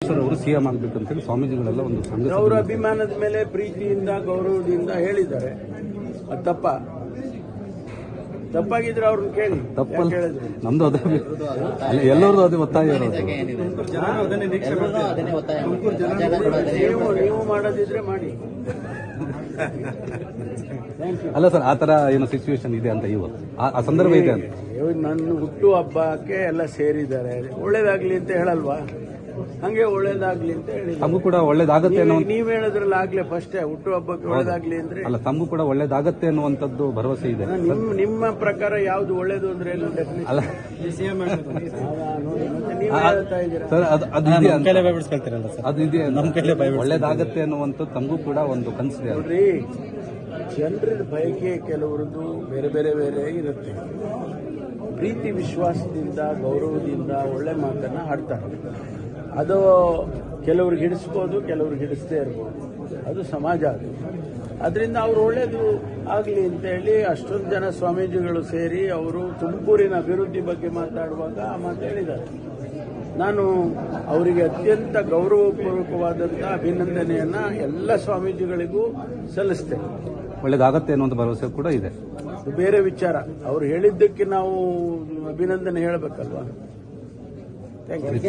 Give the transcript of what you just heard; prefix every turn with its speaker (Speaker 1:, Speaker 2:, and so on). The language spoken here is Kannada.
Speaker 1: ಈಶ್ವರ್ ಅವರು ಸಿಎಂ ಆಗಬೇಕು ಅಂತೇಳಿ ಸ್ವಾಮೀಜಿಗಳೆಲ್ಲ ಒಂದು ಸಂಘ
Speaker 2: ಅವರ ಅಭಿಮಾನದ ಮೇಲೆ ಪ್ರೀತಿಯಿಂದ ಗೌರವದಿಂದ ಹೇಳಿದ್ದಾರೆ. ಅದು ತಪ್ಪಾಗಿದ್ರೆ ಅವ್ರನ್ನ ಕೇಳಿ.
Speaker 1: ತಪ್ಪಲ್ಲ,
Speaker 2: ಹೇಳಿದ್ರು
Speaker 1: ನಮ್ದು ಅದೇ ಎಲ್ಲರದು ಅದೇ ಒತ್ತಾಯ ಇರೋದು.
Speaker 2: ನೀವು ಮಾಡೋದಿದ್ರೆ ಮಾಡಿ.
Speaker 1: ಅಲ್ಲ ಸರ್, ಆ ತರ ಏನೋ ಸಿಚುವೇಶನ್ ಇದೆ ಅಂತ ಇವತ್ತು ಆ ಸಂದರ್ಭ ಇದೆ ಅಂತ.
Speaker 2: ನನ್ನ ಹುಟ್ಟು ಹಬ್ಬಕ್ಕೆ ಎಲ್ಲ ಸೇರಿದ್ದಾರೆ, ಒಳ್ಳೇದಾಗ್ಲಿ ಅಂತ ಹೇಳಲ್ವಾ? ಹಂಗೆ ಒಳ್ಳೇದಾಗ್ಲಿ ಅಂತ ಹೇಳಿ.
Speaker 1: ತಮಗೂ ಕೂಡ ಒಳ್ಳೇದಾಗತ್ತೆ ಅನ್ನೋ
Speaker 2: ನೀವ್ ಹೇಳಿದ್ರಲ್ಲ ಆಗ್ಲೇ ಫಸ್ಟ್ ಹುಟ್ಟು ಹಬ್ಬಕ್ಕೆ ಒಳ್ಳೇದಾಗ್ಲಿ ಅಂದ್ರೆ.
Speaker 1: ಅಲ್ಲ, ತಮಗೂ ಕೂಡ ಒಳ್ಳೇದಾಗತ್ತೆ ಅನ್ನುವಂಥದ್ದು ಭರವಸೆ ಇದೆ.
Speaker 2: ನಿಮ್ಮ ಪ್ರಕಾರ ಯಾವ್ದು ಒಳ್ಳೇದು ಅಂದ್ರೆ ಏನು?
Speaker 1: ಅಲ್ಲ
Speaker 2: ನೀವ್ ಹೇಳ್ತಾ ಇದ್ದೀರಾ
Speaker 1: ಸರ್, ಅದು ಇದೆ, ಒಳ್ಳೇದಾಗತ್ತೆ ಅನ್ನುವಂಥದ್ದು ತಮಗೂ ಕೂಡ ಒಂದು ಕನಸಿದೆ.
Speaker 2: ನೋಡ್ರಿ, ಜನರ ಬಯಕೆ ಕೆಲವರದ್ದು ಬೇರೆ ಬೇರೆ ಬೇರೆ ಇರುತ್ತೆ. ಪ್ರೀತಿ ವಿಶ್ವಾಸದಿಂದ ಗೌರವದಿಂದ ಒಳ್ಳೆ ಮಾತನ್ನ ಆಡ್ತಾರೆ. ಅದು ಕೆಲವ್ರಿಗೆ ಹಿಡಿಸ್ಬೋದು, ಕೆಲವ್ರಿಗೆ ಹಿಡಿಸದೇ ಇರ್ಬೋದು. ಅದು ಸಮಾಜ. ಅದು ಅದರಿಂದ ಅವ್ರು ಒಳ್ಳೇದು ಆಗಲಿ ಅಂತೇಳಿ ಅಷ್ಟೊಂದು ಜನ ಸ್ವಾಮೀಜಿಗಳು ಸೇರಿ ಅವರು ತುಮಕೂರಿನ ಅಭಿವೃದ್ಧಿ ಬಗ್ಗೆ ಮಾತಾಡುವಾಗ ಆ ಮಾತು ಹೇಳಿದ್ದಾರೆ. ನಾನು ಅವರಿಗೆ ಅತ್ಯಂತ ಗೌರವಪೂರ್ವಕವಾದಂಥ ಅಭಿನಂದನೆಯನ್ನ ಎಲ್ಲ ಸ್ವಾಮೀಜಿಗಳಿಗೂ ಸಲ್ಲಿಸ್ತೇನೆ.
Speaker 1: ಒಳ್ಳೇದಾಗತ್ತೆ ಅನ್ನುವಂಥ ಭರವಸೆ ಕೂಡ ಇದೆ.
Speaker 2: ಬೇರೆ ವಿಚಾರ. ಅವ್ರು ಹೇಳಿದ್ದಕ್ಕೆ ನಾವು ಅಭಿನಂದನೆ ಹೇಳಬೇಕಲ್ವಾ? Thank you.